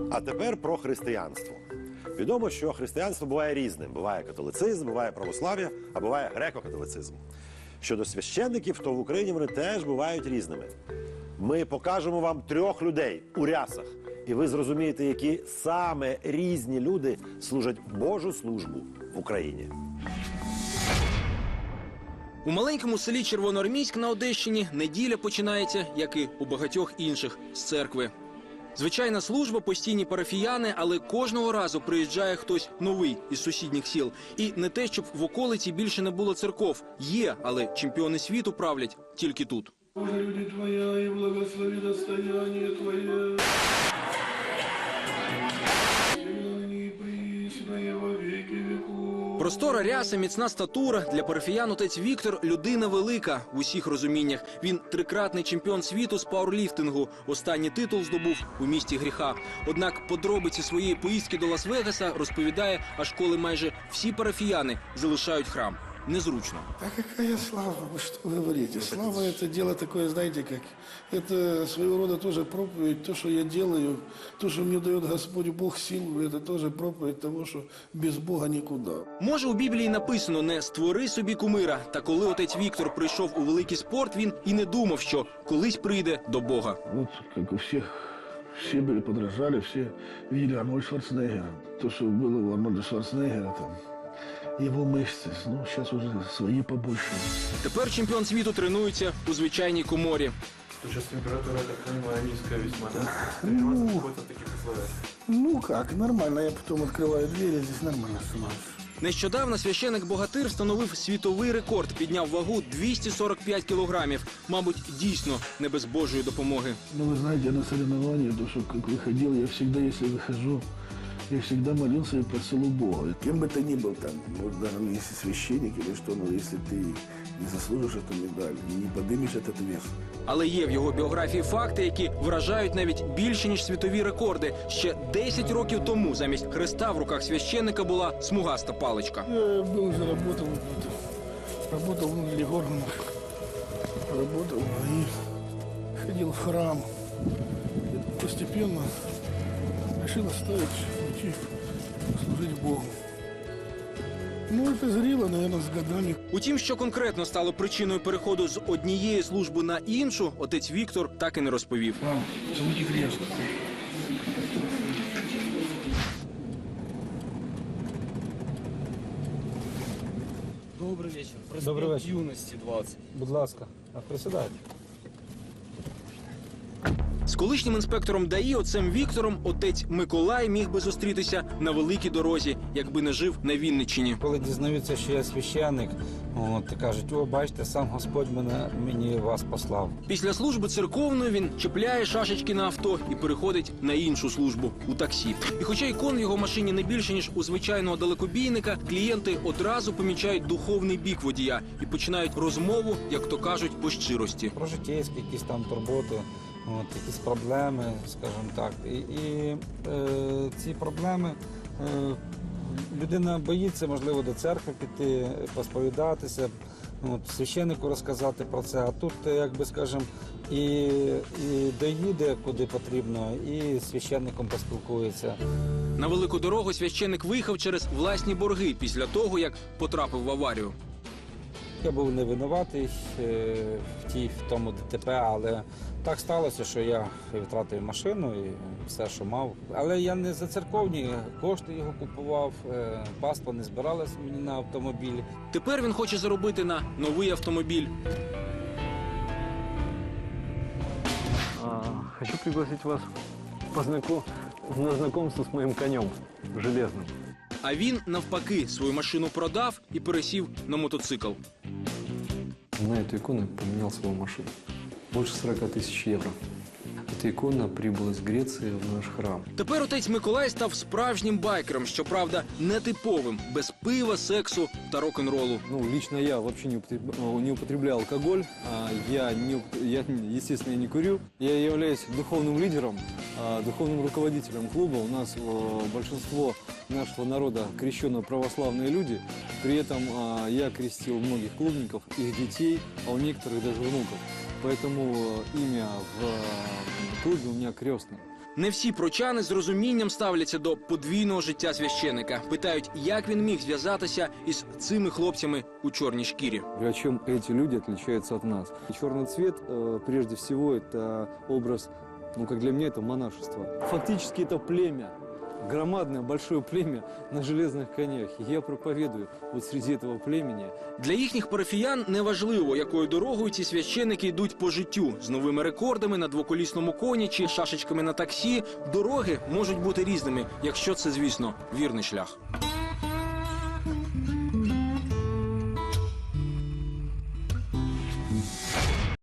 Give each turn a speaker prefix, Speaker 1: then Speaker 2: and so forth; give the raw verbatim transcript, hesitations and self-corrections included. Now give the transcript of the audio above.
Speaker 1: А тепер про християнство. Відомо, що християнство буває різним. Буває католицизм, буває православ'я, а буває греко-католицизм. Щодо священників, то в Україні вони теж бувають різними. Ми покажемо вам трьох людей у рясах, і ви зрозумієте, які саме різні люди служать Божу службу в Україні.
Speaker 2: У маленькому селі Червоноармійськ на Одещині неділя починається, як і у багатьох інших, з церкви. Звичайна служба, постійні парафіяни, але кожного разу приїжджає хтось новий із сусідніх сіл. І не те, щоб в околиці більше не було церков. Є, але чемпіони світу правлять тільки тут.
Speaker 3: Боже, люди Твоя, и благослови достояние Твое. И пресное во веки веков.
Speaker 2: Простора ряса, міцна статура. Для парафіян отець Віктор – людина велика в усіх розуміннях. Він трикратний чемпіон світу з пауерліфтингу. Останній титул здобув у місті гріха. Однак подробиці своєї поїздки до Лас-Вегаса розповідає, аж коли майже всі парафіяни залишають храм. Незручно.
Speaker 3: А какая слава, вы что говорите? Слава – это дело такое, знаете, как... Это своего рода тоже проповедь, то, что я делаю, то, что мне дает Господь Бог силу, это тоже проповедь того, что без Бога никуда.
Speaker 2: Може, у Біблії написано «не створи собі кумира». Та коли отець Віктор прийшов у великий спорт, він і не думав, що колись прийде до Бога.
Speaker 3: Вот, как у всех, все были подражали, все видели Арнольда Шварценеггера. То, что было у Арнольда Шварценеггера, там, его мышцы, ну, сейчас уже свои побольше.
Speaker 2: Тепер чемпіон світу тренується у звичайній коморі.
Speaker 4: Сейчас температура, я так понимаю, низкая весьма, да?
Speaker 3: Ну,
Speaker 4: Находится в таких условиях.
Speaker 3: ну как, нормально, я потом открываю двери, здесь нормально становится.
Speaker 2: Нещодавно священик-богатир встановив світовий рекорд, підняв вагу двісті сорок п'ять кілограмів. Мабуть, дійсно не без Божої допомоги.
Speaker 3: Ну, вы знаете, я на соревнования, то, что как выходил, я всегда, если выхожу, я всегда молился и просил у Бога. Кем бы ты ни был там, может, даже если священник или что, но если ты не заслужишь эту медаль, не поднимешь этот вес.
Speaker 2: Але є в його біографії факти, які вражають навіть більше, ніж світові рекорди. Ще десять років тому замість хреста в руках священника була смугаста паличка.
Speaker 3: Я был уже работал, работал в Легорнах, работал и ходил в храм. И постепенно решил оставить, уйти, служить Богу. Ну, это зрело, наверное, с годами.
Speaker 2: Утім, що конкретно стало причиною переходу з однієї служби на іншу, отець Віктор так і не розповів.
Speaker 3: Вам, целуйте крест.
Speaker 5: Добрый вечер. Проспект
Speaker 6: Добрий вечір.
Speaker 5: Юности двадцать.
Speaker 6: Будь ласка, а присідайте.
Speaker 2: З колишнім інспектором ДАІ отцем Віктором отець Миколай міг би зустрітися на великій дорозі, якби не жив на Вінниччині.
Speaker 6: Коли дізнаються, що я священник, от, кажуть, о, бачите, сам Господь мене, мені вас послав.
Speaker 2: Після служби церковної він чіпляє шашечки на авто і переходить на іншу службу – у таксі. І хоча ікон в його машині не більше, ніж у звичайного далекобійника, клієнти одразу помічають духовний бік водія і починають розмову, як то кажуть, по щирості.
Speaker 6: Про життєйські якісь там турботи, от, якісь проблеми, скажімо так. І, і е, ці проблеми, е, людина боїться, можливо, до церкви піти, посповідатися, от, священнику розказати про це. А тут, як би, скажімо, і, і доїде куди потрібно, і з священником поспілкується.
Speaker 2: На велику дорогу священник виїхав через власні борги після того, як потрапив в аварію.
Speaker 6: Я був не винуватий е, в тій, в тому ДТП, але так сталося, що я втратив машину і все, що мав. Але я не за церковні кошти його купував, е, паства не збиралось мені на автомобіль.
Speaker 2: Тепер він хоче заробити на новий автомобіль.
Speaker 7: А, хочу пригласить вас познаком... на знакомство с моим конем железным.
Speaker 2: А він, навпаки, свою машину продав і пересів на мотоцикл.
Speaker 7: На эту икону поменял свою машину. Больше сорока тысяч евро. Эта икона прибыла из Греции в наш храм.
Speaker 2: Тепер отець Миколай став справжнім байкером, щоправда, нетиповим, без пива, сексу та рок-н-ролу.
Speaker 7: Ну, лично я вообще не употребляю, не употребляю алкоголь. А я, не, я, естественно, не курю. Я являюсь духовным лидером, духовным руководителем клуба. У нас большинство нашего народа крещенные православные люди. При этом я крестил многих клубников, их детей, а у некоторых даже внуков. Поэтому имя в клубе у меня крестное.
Speaker 2: Не всі прочани з розумінням ставляться до подвійного життя священика. Питають, як він міг зв'язатися із цими хлопцями у чорній шкірі.
Speaker 7: А чем эти люди отличаются от нас? И черный цвет, э, прежде всего, это образ, ну, как для меня, это монашество. Фактически это племя, громадное, большое племя на железных конях. И я проповедую вот среди этого племени.
Speaker 2: Для їхніх парафіян неважливо, якою дорогою ці священики йдуть по життю. З новими рекордами на двоколісному коні чи шашечками на таксі. Дороги можуть бути різними, якщо це, звісно, вірний шлях.